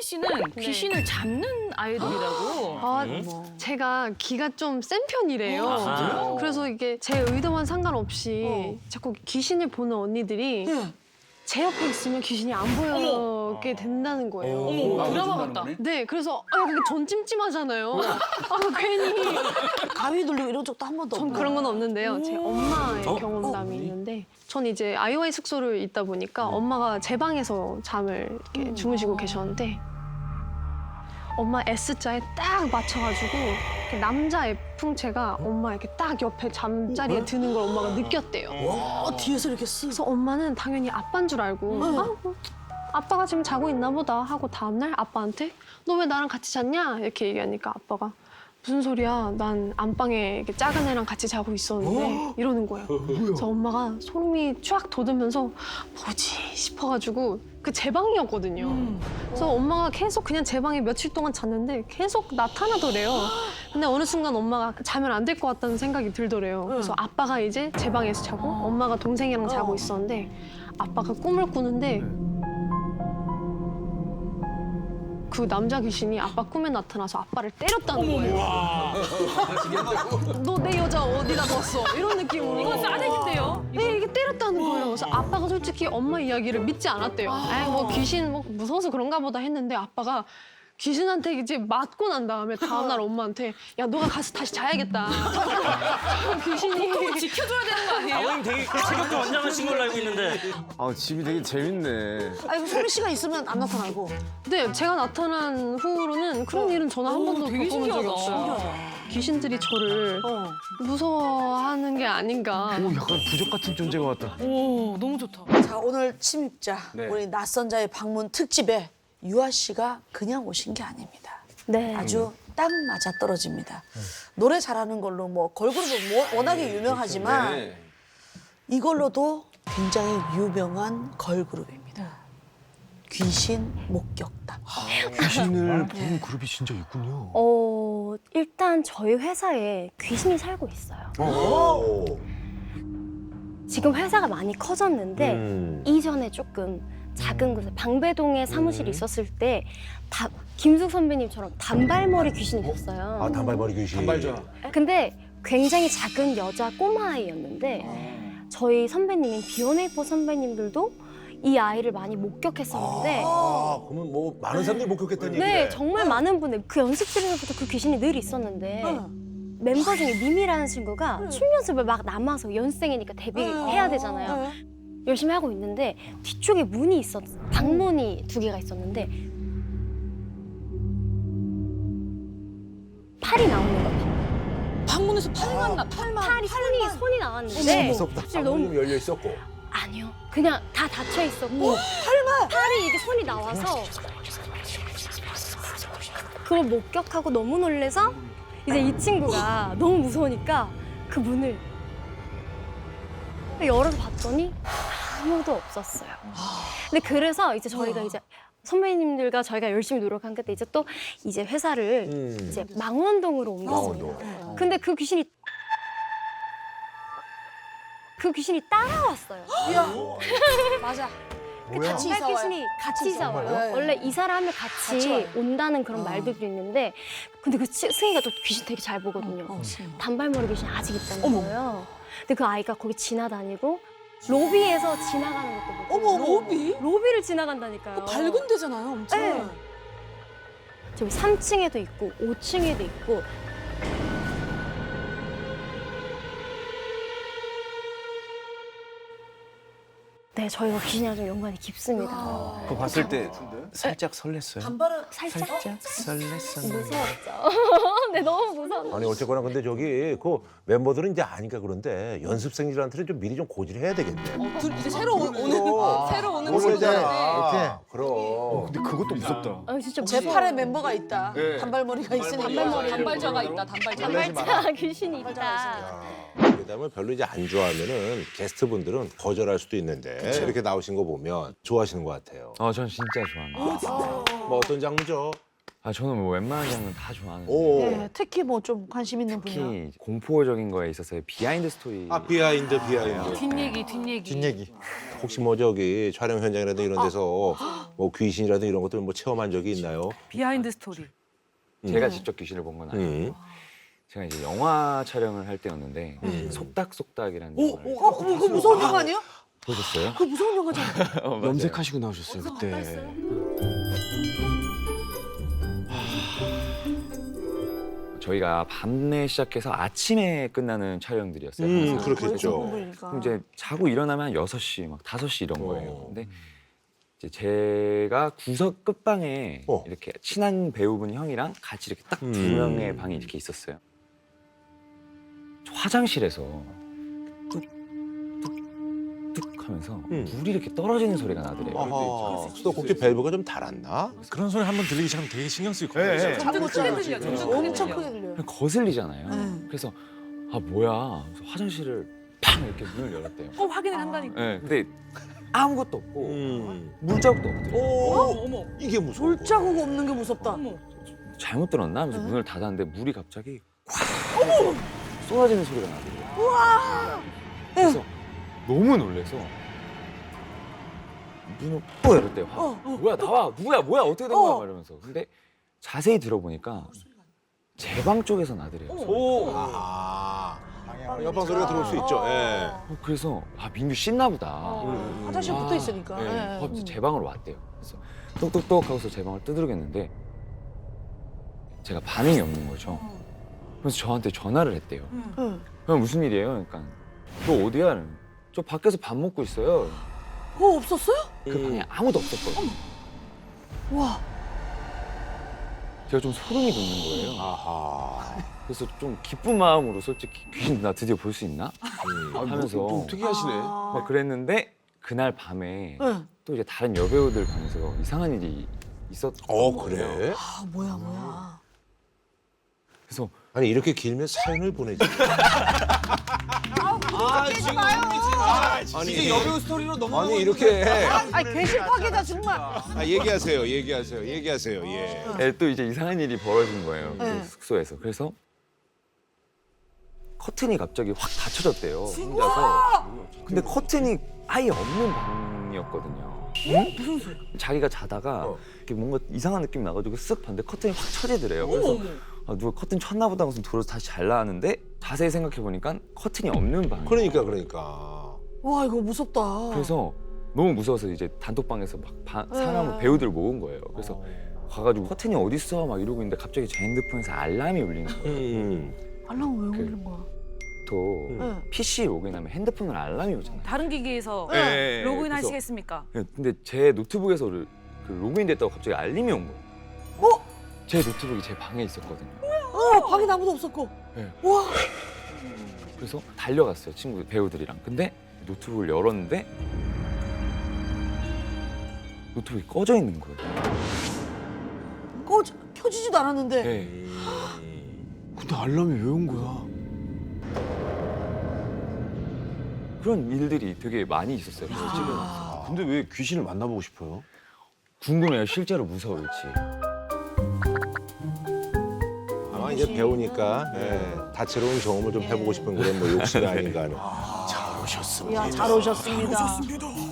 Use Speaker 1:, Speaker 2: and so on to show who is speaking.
Speaker 1: 소미 씨는 귀신을 잡는 아이돌이라고.
Speaker 2: 아, 제가 기가 좀 센 편이래요. 그래서 이게 제 의도와는 상관없이 자꾸 귀신을 보는 언니들이 제 옆에 있으면 귀신이 안 보이게 된다는 거예요.
Speaker 1: 드라마 같다.
Speaker 2: 네, 그래서 근데 전 찜찜하잖아요. 괜히.
Speaker 3: 가위 눌리고 이런 적도 한 번도
Speaker 2: 전
Speaker 3: 없고.
Speaker 2: 그런 건 없는데요. 제 엄마의 경험담이 있는데 전 이제 아이오아이 숙소를 있다 보니까 엄마가 제 방에서 잠을 이렇게 주무시고 계셨는데 엄마 S자에 딱 맞춰가지고 이렇게 남자 F풍체가 엄마 이렇게 딱 옆에 잠자리에 드는 걸 엄마가 느꼈대요.
Speaker 3: 뒤에서 이렇게 쓱.
Speaker 2: 그래서 엄마는 당연히 아빠인 줄 알고 뭐 아빠가 지금 자고 있나 보다 하고 다음날 아빠한테 너 왜 나랑 같이 잤냐? 이렇게 얘기하니까 아빠가 무슨 소리야? 난 안방에 이렇게 작은 애랑 같이 자고 있었는데 이러는 거예요. 그래서 엄마가 소름이 쫙 돋으면서 뭐지 싶어가지고 그 제 방이었거든요. 그래서 엄마가 계속 그냥 제 방에 며칠 동안 잤는데 계속 나타나더래요. 근데 어느 순간 엄마가 자면 안 될 것 같다는 생각이 들더래요. 그래서 아빠가 이제 제 방에서 자고 엄마가 동생이랑 자고 있었는데 아빠가 꿈을 꾸는데 그 남자 귀신이 아빠 꿈에 나타나서 아빠를 때렸다는 거예요. 너 내 여자 어디다 뒀어? 이런 느낌으로.
Speaker 1: 이건 싸대기인데요?
Speaker 2: 네, 이게 때렸다는 거예요. 그래서 아빠가 솔직히 엄마 이야기를 믿지 않았대요. 뭐 귀신 뭐 무서워서 그런가 보다 했는데 아빠가 귀신한테 이제 맞고 난 다음에 다음날 엄마한테 야 너가 가서 다시 자야겠다. 귀신이
Speaker 1: 지켜줘야 되는 거 아니에요?
Speaker 4: 아버님 되게 체격도 완장하신 걸로 알고 있는데.
Speaker 5: 아, 집이 되게 재밌네.
Speaker 3: 아니 소미 씨가 있으면 안 나타나고.
Speaker 2: 네, 제가 나타난 후로는 그런 일은 저는 한 번도
Speaker 1: 되게
Speaker 2: 겪어본 적이
Speaker 1: 신기하다.
Speaker 2: 없어요. 귀신들이 저를 무서워하는 게 아닌가.
Speaker 5: 오, 약간 부적 같은 존재가 왔다.
Speaker 1: 오, 너무 좋다.
Speaker 3: 자 오늘 침입자 우리 낯선 자의 방문 특집에 유아 씨가 그냥 오신 게 아닙니다.
Speaker 6: 네.
Speaker 3: 아주 딱 맞아 떨어집니다. 노래 잘하는 걸로 뭐 걸그룹은 워낙에 유명하지만 이걸로도 굉장히 유명한 걸그룹입니다. 귀신 목격담.
Speaker 5: 귀신을 보는 그룹이 진짜 있군요.
Speaker 6: 일단 저희 회사에 귀신이 살고 있어요. 지금 회사가 많이 커졌는데 이전에 조금 작은 곳에 방배동에 사무실이 있었을 때 김숙 선배님처럼 단발머리 귀신이 있었어요.
Speaker 7: 아, 단발머리 귀신.
Speaker 5: 단발자.
Speaker 6: 근데 굉장히 작은 여자 꼬마아이였는데 저희 선배님인 비욘에이퍼 선배님들도 이 아이를 많이 목격했었는데
Speaker 7: 아, 그러면 뭐 많은 사람들이 목격했다는 얘기네.
Speaker 6: 네, 정말 많은 분들 그 연습실에서부터 그 귀신이 늘 있었는데 멤버 중에 미미라는 친구가 춤 연습을 막 남아서 연습생이니까 데뷔해야 되잖아요. 열심히 하고 있는데 뒤쪽에 문이 있었어. 방문이 2개가 있었는데 팔이 나오는 거예요.
Speaker 1: 방문에서 팔만
Speaker 6: 팔이 손이 나왔는데
Speaker 7: 무섭다.
Speaker 6: 사실
Speaker 7: 방문이
Speaker 6: 너무
Speaker 7: 열려 있었고.
Speaker 6: 아니요. 그냥 다 닫혀 있었고 팔이 이게 손이 나와서 그걸 목격하고 너무 놀래서 이제 이 친구가 너무 무서우니까 그 문을 열어서 봤더니 아무도 없었어요. 근데 그래서 이제 저희가 이제 선배님들과 저희가 열심히 노력한 끝에 이제 또 이제 회사를 이제 망원동으로 옮겼습니다. 근데 그 귀신이 따라왔어요.
Speaker 3: 맞아.
Speaker 6: 그
Speaker 3: 같이
Speaker 6: 단발
Speaker 3: 이사 와요.
Speaker 6: 귀신이 같이 이사 와요.
Speaker 3: 네.
Speaker 6: 원래 이사를 하면
Speaker 3: 같이
Speaker 6: 같이
Speaker 3: 와요.
Speaker 6: 온다는 그런 말들도 있는데 근데 그 승희가 또 귀신 되게 잘 보거든요. 단발머리 귀신이 아직 있다는 거예요. 근데 그 아이가 거기 지나다니고 로비에서 지나가는 것도 보고
Speaker 3: 어머 로비?
Speaker 6: 로비를 지나간다니까요.
Speaker 3: 밝은 데잖아요, 엄청.
Speaker 6: 네. 저기 3층에도 있고 5층에도 있고 네, 저희가 귀신이랑 좀 연관이 깊습니다.
Speaker 5: 그거 봤을 때 살짝 설렜어요.
Speaker 3: 단발은
Speaker 6: 살짝
Speaker 5: 설렜었는데.
Speaker 6: 무서웠죠. 네, 너무 무서웠어요.
Speaker 7: 아니 어쨌거나 근데 저기 그 멤버들은 이제 아니까 그런데 연습생들한테는 좀 미리 좀 고지를 해야 되겠네.
Speaker 1: 이제 새로 오는 새로 오는
Speaker 7: 모르잖아. 그럼.
Speaker 5: 근데 그것도 무섭다.
Speaker 6: 아, 진짜
Speaker 3: 제 팔에 멤버가 있다.
Speaker 5: 네.
Speaker 3: 단발머리가 있으니까.
Speaker 1: 단발자가 있다. 단발자.
Speaker 6: 단발자 귀신이 있다.
Speaker 7: 그다음에 별로 이제 안 좋아하면은 게스트분들은 거절할 수도 있는데 이렇게 나오신 거 보면 좋아하시는 것 같아요.
Speaker 5: 전 진짜 좋아합니다.
Speaker 7: 뭐 어떤 장르죠?
Speaker 8: 아 저는 뭐 웬만한 장르 다 좋아하는데
Speaker 7: 오.
Speaker 3: 네, 특히 뭐 좀 관심 있는 분야.
Speaker 8: 특히 공포적인 거에 있어서의 비하인드 스토리.
Speaker 7: 아 비하인드.
Speaker 1: 뒷얘기.
Speaker 7: 혹시 뭐 저기 촬영 현장이라든 이런 데서 뭐 귀신이라든 이런 것들 뭐 체험한 적이 있나요?
Speaker 1: 비하인드 스토리.
Speaker 8: 제가 직접 귀신을 본 건 아니고 제가 이제 영화 촬영을 할 때였는데 속닥속닥이라는 영화를
Speaker 3: 그거 무서운 영화 아니에요?
Speaker 8: 보셨어요?
Speaker 3: 그거 무서운 영화잖아.
Speaker 8: 맞아요.
Speaker 5: 염색하시고 나오셨어요 그때.
Speaker 8: 저희가 밤에 시작해서 아침에 끝나는 촬영들이었어요. 항상.
Speaker 7: 그렇겠죠.
Speaker 8: 그럼 이제 자고 일어나면 한 6시, 막 5시 이런 거예요.
Speaker 7: 어.
Speaker 8: 근데 이제 제가 구석 끝방에 이렇게 친한 배우분 형이랑 같이 이렇게 딱 두 명의 방이 이렇게 있었어요. 저 화장실에서 뚝뚝뚝 하면서 물이 이렇게 떨어지는 소리가 나더래요.
Speaker 7: 아하. 수도꼭지 밸브가 좀 닳았나?
Speaker 5: 그런 소리 한번 들리기 시작하면 되게 신경 쓰일 거예요.
Speaker 1: 점점 크게 들려. 점점 크게
Speaker 3: 엄청
Speaker 1: 들려.
Speaker 3: 크게 들려요.
Speaker 8: 거슬리잖아요. 그래서 아 뭐야. 그래서 화장실을 팡 이렇게 문을 열었대요.
Speaker 1: 확인을 한다니까.
Speaker 8: 네, 근데 아무것도 없고
Speaker 7: 음.
Speaker 8: 물자국도 없더래요.
Speaker 1: 어머.
Speaker 7: 이게 무서워.
Speaker 3: 물자국 없는 게 무섭다.
Speaker 1: 어머.
Speaker 8: 잘못 들었나 하면서 문을 닫았는데 물이 갑자기 콱 쏟아지는 소리가 나더라고요. 그래서 너무 놀래서 문을 또 열었대요. 뭐야 나와 누구야 뭐야 어떻게 된 거야 이러면서. 근데 자세히 들어보니까 제 방 쪽에서 나더래요.
Speaker 7: 아. 옆방 소리가 들어올 수 있죠. 예.
Speaker 8: 그래서 아 민규 씻나 보다.
Speaker 3: 화장실 붙어 있으니까.
Speaker 8: 네.
Speaker 3: 예.
Speaker 8: 하면서 제 방으로 왔대요. 그래서 똑똑똑 하고서 제 방을 두드리겠는데 제가 반응이 없는 거죠. 그래서 저한테 전화를 했대요. 그럼 무슨 일이에요? 그러니까 너 어디야? 저 밖에서 밥 먹고 있어요.
Speaker 3: 그거 없었어요?
Speaker 8: 그 방에 아무도 없었거든요.
Speaker 3: 와.
Speaker 8: 제가 좀 소름이 돋는 거예요.
Speaker 7: 아하.
Speaker 8: 그래서 좀 기쁜 마음으로 솔직히 귀신 나 드디어 볼 수 있나? 하면서
Speaker 5: 좀 특이하시네.
Speaker 8: 막 그랬는데 그날 밤에
Speaker 3: 응.
Speaker 8: 또 이제 다른 여배우들 방에서 이상한 일이 있었던 거예요.
Speaker 7: 그래?
Speaker 3: 아 뭐야.
Speaker 8: 그래서
Speaker 7: 아니 이렇게 길면 사연을 보내지. 아니 여배우 스토리로 넘어. 아니 이렇게.
Speaker 3: 아니 괴실파괴다 정말.
Speaker 7: 아, 얘기하세요. 예.
Speaker 8: 네, 또 이제 이상한 일이 벌어진 거예요. 그
Speaker 3: 네.
Speaker 8: 숙소에서. 그래서 커튼이 갑자기 확 닫혀졌대요. 혼자서. 근데 커튼이 아예 없는 방이었거든요. 무슨 소리? 자기가 자다가 이렇게 뭔가 이상한 느낌이 나가지고 쓱 봤는데 커튼이 확 쳐지더래요. 그래서 아, 누가 커튼 쳤나 보다 하고서 들어서 다시 잘 나왔는데 자세히 생각해 보니까 커튼이 없는 방.
Speaker 7: 그러니까.
Speaker 3: 와 이거 무섭다.
Speaker 8: 그래서 너무 무서워서 이제 단톡방에서 막 사람 배우들 모은 거예요. 그래서 가가지고 커튼이 어디 있어 막 이러고 있는데 갑자기 제 핸드폰에서 알람이 울리는 거예요.
Speaker 3: 알람 왜 울린 거야?
Speaker 8: 또 PC 로그인하면 핸드폰으로 알람이 오잖아요.
Speaker 1: 다른 기기에서
Speaker 8: 네.
Speaker 1: 로그인
Speaker 8: 그래서-
Speaker 1: 하시겠습니까?
Speaker 8: 근데 제 노트북에서 그 로그인됐다고 갑자기 알림이 온 거예요. 제 노트북이 제 방에 있었거든요.
Speaker 3: 방에 아무도 없었고.
Speaker 8: 네.
Speaker 3: 와.
Speaker 8: 그래서 달려갔어요 친구 배우들이랑. 근데 노트북을 열었는데 노트북이 꺼져 있는 거예요.
Speaker 3: 켜지지도 않았는데.
Speaker 8: 네.
Speaker 5: 근데 알람이 왜 온 거야?
Speaker 8: 그런 일들이 되게 많이 있었어요. 그래서 찍어놨어요.
Speaker 5: 근데 왜 귀신을 만나보고 싶어요?
Speaker 8: 궁금해요 실제로 무서울지.
Speaker 7: 아마 이제 배우니까 다채로운 경험을 좀 해보고 싶은 그런 뭐 욕심이 아닌가 하는.
Speaker 5: 잘 오셨습니다.
Speaker 3: 야 잘 오셨습니다.